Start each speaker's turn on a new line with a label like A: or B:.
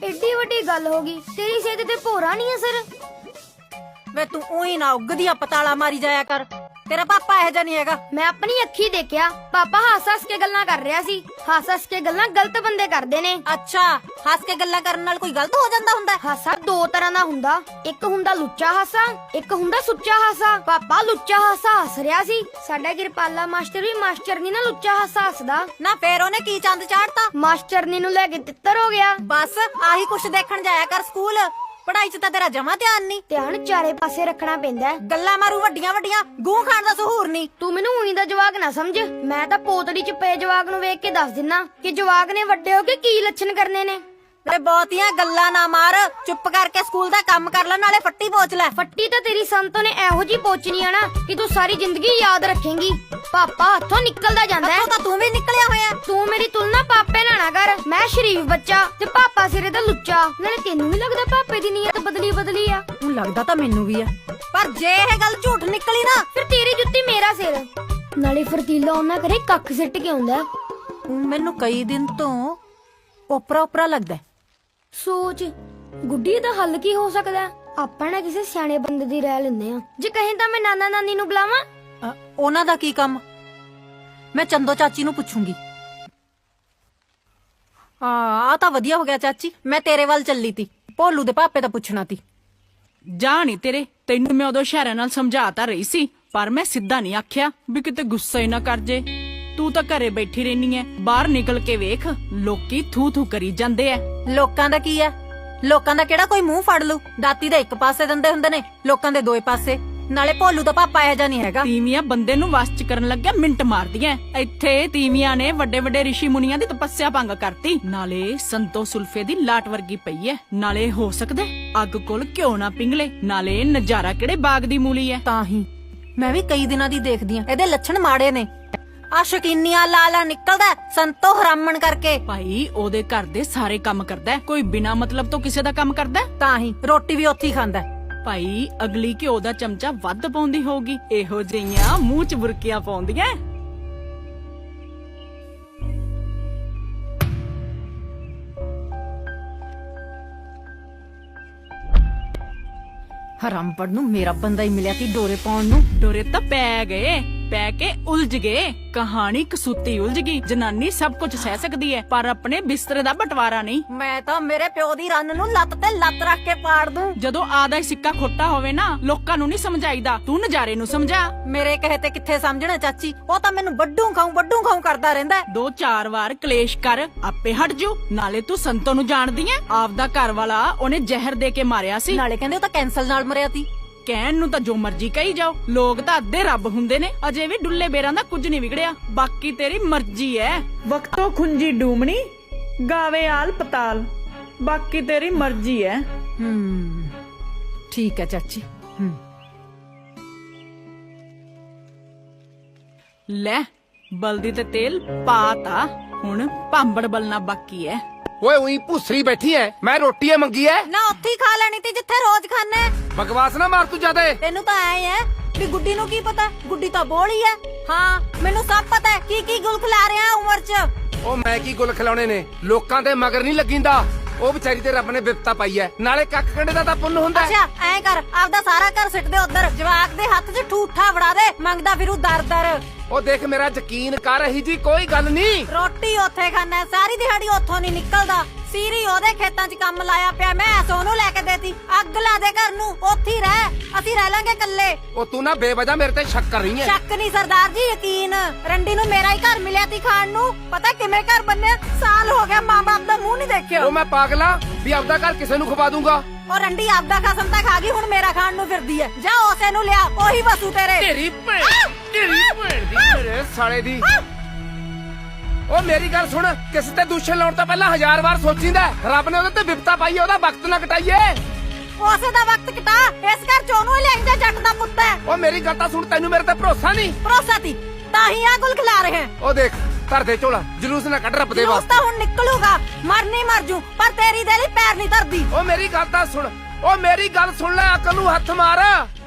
A: AD वड्डी गल होगी, तेरी सेहत ते भोरा नहीं असर।
B: वे तू ऊई ना उगदिया पताला मारी जाया कर, तेरा पापा ਇਹੋ ਜਿਹਾ नहीं हैगा।
A: मैं अपनी अखी देखिया, पापा हस के गल्लां कर रहा सी। हस के गल्लां गलत बंदे करदे ने।
B: अच्छा, हस के गल्लां करन नाल कोई गलत हो ਜਾਂਦਾ ਹੁੰਦਾ?
A: हासा दो तरह दा हुंदा, एक हुंदा लुच्चा हासा, एक हुंदा सुच्चा हासा। पापा लुच्चा हासा हस रहा सी, साडा किरपाला मास्टर भी मास्टरनी ना लुच्चा हासा हसदा
B: ना। फिर ਉਹਨੇ ਕੀ ਚੰਦ ਚਾੜਤਾ?
A: मास्टरनी नु लेके तित्तर हो गया।
B: बस आही कुछ देखण जाया कर स्कूल, पढ़ाई च ਤਾਂ ਤੇਰਾ ਜਮਾ ਧਿਆਨ ਨਹੀਂ।
A: ध्यान चारे पासे रखना पैंदा है।
B: ਗੱਲਾਂ ਮਾਰੂ ਵੱਡੀਆਂ ਵੱਡੀਆਂ, ਗੂੰ ਖਾਣ ਦਾ ਸਹੂਰ ਨਹੀਂ।
A: तू मैनू उई दा जवाक ना समझ, मैं तां पोतड़ी च पे जवाक नु वेख के दस दिना कि जवाक ने वड्डे हो के की लक्षण करने ने।
B: ਤੇ ਬਹੁਤੀਆਂ ਗੱਲਾਂ ਨਾ ਮਾਰ, ਚੁੱਪ ਕਰਕੇ ਸਕੂਲ ਦਾ ਕੰਮ ਕਰ ਲੈ, ਨਾਲੇ ਫੱਟੀ ਪੋਚ ਲੈ।
A: फट्टी तो तेरी संतो ने एहो जी पोचनी है ना कि तू सारी जिंदगी याद रखेंगी। पापा हथों निकलदा जांदा है।
B: ਹੱਥੋਂ ਤਾਂ ਤੂੰ ਵੀ ਨਿਕਲਿਆ ਹੋਇਆ।
A: तू मेरी तुलना पापे नाल ना कर, मैं शरीफ बच्चा ते पापा सिरे दा लुच्चा। नाले तेनू नहीं लगदा पापे दी नीयत बदली बदली आ?
B: ਹੁਣ ਲੱਗਦਾ ਤਾਂ ਮੈਨੂੰ ਵੀ ਆ, ਪਰ ਜੇ ਇਹ ਗੱਲ ਝੂਠ ਨਿਕਲੀ ਨਾ,
A: फिर तेरी जुत्ती मेरा सिर। नाले फरतीला ओना करे कख सिੱਟ के आउंदा।
B: ਮੈਨੂੰ ਕਈ ਦਿਨ ਤੋਂ ਓਪਰਾ ਓਪਰਾ ਲੱਗਦਾ।
A: सोच गुड्डी दा हल की हो सकदा? ਆਪਾਂ ਨਾ ਕਿਸੇ ਸਿਆਣੇ ਬੰਦੇ ਦੀ ਰਾਇ ਲੈਂਦੇ ਆ। ਜੇ ਕਹੇ ਤਾਂ ਮੈਂ ਨਾਨਾ ਨਾਨੀ ਨੂੰ ਬੁਲਾਵਾਂ?
B: ਉਹਨਾਂ ਦਾ ਕੀ ਕੰਮ? ਮੈਂ ਚੰਦੋ ਚਾਚੀ ਨੂੰ ਪੁੱਛੂੰਗੀ। ਆ ਤਾਂ ਵਧੀਆ ਹੋ ਗਿਆ ਚਾਚੀ, ਮੈਂ ਤੇਰੇ ਵੱਲ ਚੱਲੀ ਤੀ, ਭੋਲੂ ਦੇ ਪਾਪੇ ਦਾ ਪੁੱਛਣਾ ਤੀ।
C: ਜਾ ਨੀ ਤੇਰੇ, ਤੈਨੂੰ ਮੈਂ ਉਦੋਂ ਇਸ਼ਾਰਿਆਂ ਨਾਲ ਸਮਝਾਤਾ ਰਹੀ ਸੀ, ਪਰ ਮੈਂ ਸਿੱਧਾ ਨਹੀਂ ਆਖਿਆ ਵੀ ਕਿਤੇ ਗੁੱਸਾ ਹੀ ਨਾ ਕਰ ਜੇ। ਤੂੰ ਤਾਂ ਘਰੇ ਬੈਠੀ ਰਹਿਨੀ ਐ, ਬਾਹਰ ਨਿਕਲ ਕੇ ਵੇਖ, ਲੋਕੀ ਥੂ ਥੂ ਕਰੀ ਜਾਂਦੇ ਐ।
B: ਲੋਕਾਂ ਦਾ ਕੀ ਐ? ਲੋਕਾਂ ਦਾ ਕਿਹੜਾ ਕੋਈ ਮੂੰਹ ਫੜ ਲੂ? ਦਾਤੀ ਦੇ ਇੱਕ ਪਾਸੇ ਦੰਦੇ ਹੁੰਦੇ ਨੇ, ਲੋਕਾਂ ਦੇ ਦੋਏ ਪਾਸੇ। ਨਾਲੇ ਭੋਲੂ ਦਾ ਪਾਪਾ ਇਹੋ ਜਿਹਾ ਨਹੀਂ ਹੈਗਾ।
C: ਤੀਵੀਆਂ ਬੰਦੇ ਨੂੰ ਵਸ ਚ ਕਰਨ ਲੱਗਿਆ ਮਿੰਟ ਮਾਰਦੀਆਂ। ਇੱਥੇ ਤੀਵੀਆਂ ਨੇ ਵੱਡੇ ਵੱਡੇ ਰਿਸ਼ੀ ਮੁਨੀਆਂ ਦੀ ਤਪੱਸਿਆ ਭੰਗ ਕਰਤੀ। ਨਾਲੇ ਸੰਤੋ ਸੁਲਫੇ ਦੀ ਲਾਟ ਵਰਗੀ ਪਈ ਐ। ਨਾਲੇ ਹੋ ਸਕਦਾ ਅੱਗ ਕੋਲ ਘਿਓ ਨਾ ਪਿੰਗਲੇ। ਨਾਲੇ ਨਜ਼ਾਰਾ ਕਿਹੜੇ ਬਾਗ ਦੀ ਮੂਲੀ ਐ।
B: ਤਾਂ ਹੀ ਮੈਂ ਵੀ ਕਈ ਦਿਨਾਂ ਦੀ ਦੇਖਦੀ ਆ, ਇਹਦੇ ਲੱਛਣ ਮਾੜੇ ਨੇ। ਆ ਸ਼ਕੀਨੀਆਂ ਲਾਲਾ ਨਿਕਲਦਾ ਸੰਤੋ ਹਰਾਮਣ ਕਰਕੇ।
C: ਭਾਈ ਉਹਦੇ ਘਰ ਦੇ ਸਾਰੇ ਕੰਮ ਕਰਦਾ, ਕੋਈ ਬਿਨਾ ਮਤਲਬ ਤੋਂ ਕਿਸੇ ਦਾ ਕੰਮ ਕਰਦਾ?
B: ਤਾਂ ਹੀ ਰੋਟੀ ਵੀ ਉੱਥੇ ਹੀ ਖਾਂਦਾ।
C: ਭਾਈ ਅਗਲੀ ਘਿਓ ਦਾ ਚਮਚਾ ਵੱਧ ਪਾਉਂਦੀ ਹੋਊਗੀ, ਇਹੋ ਜਿਹੀਆਂ ਮੂੰਹ ਚ ਬੁਰਕੀਆਂ ਪਾਉਂਦੀਆਂ।
B: ਹਰਾਮਪੜ ਨੂੰ ਮੇਰਾ ਬੰਦਾ ਹੀ ਮਿਲਿਆ ਤੀ ਡੋਰੇ ਪਾਉਣ ਨੂੰ।
C: ਡੋਰੇ ਤਾਂ ਪੈ ਗਏ, ਪੈ ਕੇ ਉਲਝ ਗਏ। ਕਹਾਣੀ ਕਸੂਤੀ ਉਲਝ ਗਈ। ਜਨਾਨੀ ਸਭ ਕੁਝ ਸਹਿ ਸਕਦੀ ਹੈ, ਪਰ ਆਪਣੇ ਬਿਸਤਰੇ ਦਾ ਬਟਵਾਰਾ ਨਹੀਂ।
B: ਮੈਂ ਤਾਂ ਮੇਰੇ ਪਿਓ ਦੀ ਰੰਨ ਨੂੰ ਲੱਤ ਤੇ ਲੱਤ ਰੱਖ ਕੇ ਪਾੜ ਦੂੰ।
C: ਜਦੋਂ ਆਦਾ ਹੀ ਸਿੱਕਾ ਖੋਟਾ ਹੋਵੇ ਨਾ, ਲੋਕਾਂ ਨੂੰ ਨਹੀਂ ਸਮਝਾਈਦਾ, ਤੂੰ ਨਜ਼ਾਰੇ ਨੂੰ ਸਮਝਾ।
B: ਮੇਰੇ ਕਹੇ ਤੇ ਕਿੱਥੇ ਸਮਝਣਾ ਚਾਚੀ, ਉਹ ਤਾਂ ਮੈਨੂੰ ਵੱਡੂ ਖਾਉ ਕਰਦਾ ਰਹਿੰਦਾ।
C: 2-4 ਵਾਰ ਕਲੇਸ਼ ਕਰ, ਆਪੇ ਹਟ ਜੂ। ਨਾਲੇ ਤੂੰ ਸੰਤੋ ਨੂੰ ਜਾਣਦੀ ਐ, ਆਪਦਾ ਘਰ ਵਾਲਾ ਉਹਨੇ ਜ਼ਹਿਰ ਦੇ ਕੇ ਮਾਰਿਆ ਸੀ।
B: ਨਾਲੇ ਕਹਿੰਦੇ ਉਹ ਤਾਂ ਕੈਂਸਰ ਨਾਲ ਮਰਿਆ ਤੀ।
C: ਕਹਿਣ ਨੂੰ ਤਾਂ ਜੋ ਮਰਜ਼ੀ ਕਹੀ ਜਾਓ, ਲੋਕ ਤਾਂ ਅੱਧੇ ਰੱਬ ਹੁੰਦੇ ਨੇ। ਅਜੇ ਵੀ ਡੁੱਲੇ ਬੇਰਾਂ ਦਾ ਕੁਝ ਨਹੀਂ ਵਿਗੜਿਆ। ਬਾਕੀ ਤੇਰੀ ਮਰਜ਼ੀ ਐ। ਵਕਤੋਂ ਖੁੰਜੀ ਡੂਮਣੀ ਗਾਵੇ ਆਲ ਪਤਾਲ, ਬਾਕੀ ਤੇਰੀ ਮਰਜ਼ੀ ਐ।
B: ਠੀਕ ਹੈ ਚਾਚੀ।
C: ਲੈ ਬਲਦੀ ਤੇ ਤੇਲ ਪਾਤਾ, ਹੁਣ ਭਾਂਬੜ ਬਲਣਾ ਬਾਕੀ ਐ।
D: ਓਏ ਉਹੀ ਭੁਸਰੀ ਬੈਠੀ ਐ, ਮੈਂ ਰੋਟੀ ਐ ਮੰਗੀ ਐ।
B: ਨਾ ਉੱਥੇ ਹੀ ਖਾ ਲੈਣੀ ਤੀ ਜਿੱਥੇ ਰੋਜ਼ ਖਾਣਾ।
D: ਬਕਵਾਸ ਨਾ ਮਾਰ ਤੂੰ ਜਿਆਦਾ।
B: ਤੈਨੂੰ ਤਾਂ ਐ ਹੈ ਵੀ ਗੁੱਡੀ ਨੂੰ ਕੀ ਪਤਾ, ਗੁੱਡੀ ਤਾਂ ਬੋਲੀ ਐ। ਹਾਂ ਮੈਨੂੰ ਸਭ ਪਤਾ ਹੈ ਕੀ ਗੁਲ ਖਿਲਾ ਰਿਹਾ ਉਮਰ ਚ।
D: ਉਹ ਮੈਂ ਕੀ ਗੁੱਲ ਖਿਲਾਉਣੇ ਨੇ, ਲੋਕਾਂ ਦੇ ਮਗਰ ਨਹੀਂ ਲੱਗੀਂਦਾ। ਉਹ ਵਿਚਾਰੀ ਤੇ ਰੱਬ ਨੇ ਬਿਪਤਾ ਪਾਈ ਐ, ਨਾਲੇ ਕੱਖ ਕੰਡੇ ਦਾ ਤਾਂ ਪੁੰਨ ਹੁੰਦਾ।
B: ਅੱਛਾ ਐ ਕਰ, ਆਪਦਾ ਸਾਰਾ ਘਰ ਸਿੱਟ ਦੇ ਉਧਰ, ਜਵਾਕ ਦੇ ਹੱਥ 'ਚ ਠੂਠਾ ਫੜਾ ਦੇ, ਮੰਗਦਾ ਫਿਰੂ ਦਰ।
D: ਉਹ ਦੇਖ ਮੇਰਾ ਯਕੀਨ ਕਰ, ਰਹੀ ਜੀ ਕੋਈ ਗੱਲ ਨਹੀਂ।
B: ਰੋਟੀ ਉੱਥੇ ਖਾਣਾ, ਸਾਰੀ ਦਿਹਾੜੀ ਉੱਥੋਂ ਨਹੀਂ ਨਿਕਲਦਾ। ਸੀਰੀ ਉਹਦੇ ਖੇਤਾਂ 'ਚ ਕੰਮ ਲਾਇਆ ਪਿਆ, ਮੈਂ ਸੋਨੂੰ ਲੈ ਕੇ ਦੇਤੀ। ਅੱਗ ਲਾ ਦੇ ਘਰ ਨੂੰ, ਉੱਥੇ ਹੀ ਰਹਿ, ਅਸੀਂ ਰਹਿ ਲਾਂਗੇ ਇਕੱਲੇ।
D: ਉਹ ਤੂੰ ਨਾ ਬੇਵਜ੍ਹਾ ਮੇਰੇ ਤੇ ਸ਼ੱਕ ਕਰ ਰਹੀ ਐ।
B: ਸ਼ੱਕ ਨਹੀਂ ਸਰਦਾਰ ਜੀ, ਯਕੀਨ। ਰੰਡੀ ਨੂੰ ਮੇਰਾ ਹੀ ਘਰ ਮਿਲਿਆ ਤੀ ਖਾਣ ਨੂੰ, ਪਤਾ ਕਿਵੇਂ ਘਰ ਬੰਨਿਆ। ਸਾਲ ਹੋ ਗਿਆ ਮਾਂ ਬਾਪ ਦਾ ਮੂੰਹ ਨਹੀਂ ਦੇਖਿਆ।
D: ਉਹ ਮੈਂ ਪਾਗਲਾ ਵੀ ਆਪਦਾ ਘਰ ਕਿਸੇ ਨੂੰ ਖਵਾ ਦੂੰਗਾ।
B: ਉਹ ਰੰਡੀ ਆਪਦਾ ਖਸਮ ਤਾਂ ਖਾ ਗਈ, ਹੁਣ ਮੇਰਾ ਖਾਣ ਨੂੰ ਫਿਰਦੀ ਐ। ਜਾ ਉਸੇ ਨੂੰ ਲਿਆ, ਉਹੀ ਵਸੂ ਤੇਰੇ।
D: ਤੇਰੀ ਭੈਣ ਦੀ ਮੇਰੇ ਸਾਲੇ ਦੀ। ਉਹ ਮੇਰੀ ਗੱਲ ਸੁਣ, ਕਿਸੇ ਤੇ ਦੂਸ਼ਣ ਲਾਉਣ ਤੋਂ ਪਹਿਲਾਂ 1000 ਵਾਰ ਸੋਚੀਂਦਾ। ਰੱਬ ਨੇ ਉਹਦੇ ਤੇ ਵਿਪਤਾ ਪਾਈ ਐ, ਉਹਦਾ ਵਕਤ ਨਾ ਕਟਾਈਏ।
B: ਉਸੇ ਦਾ ਵਕਤ ਕਟਾ, ਇਸ ਘਰ ਚੋਂ ਉਹਨੂੰ ਹੀ ਲੈ ਜਾ, ਜੱਟ ਦਾ ਪੁੱਤ ਹੈ।
D: ਉਹ ਮੇਰੀ ਗੱਲ ਤਾਂ ਸੁਣ, ਤੈਨੂੰ ਮੇਰੇ ਤੇ ਭਰੋਸਾ ਨਹੀਂ।
B: ਭਰੋਸਾ ਤੀ ਤਾਂ ਹੀ ਆ ਗੁਲ ਖਿਲਾ ਰਹੇ।
D: ਉਹ ਦੇਖ ਧਰ ਦੇ ਝੋਲਾ, ਜਲੂਸ ਨਾ ਕੱਢ ਰੱਬ ਦੇ
B: ਜਲੂਸ
D: ਵਾਸਤੇ।
B: ਤਾਂ ਹੁਣ ਨਿਕਲੂਗਾ, ਮਰਨੀ ਮਰ ਜੂ, ਪਰ ਤੇਰੀ ਦੇ ਲਈ ਪੈਰ ਨਹੀਂ ਧਰਦੀ।
D: ਉਹ ਮੇਰੀ ਗੱਲ ਤਾਂ ਸੁਣ, ਉਹ ਮੇਰੀ ਗੱਲ ਸੁਣ ਲੈ, ਅਕਲ ਨੂੰ ਹੱਥ ਮਾਰ।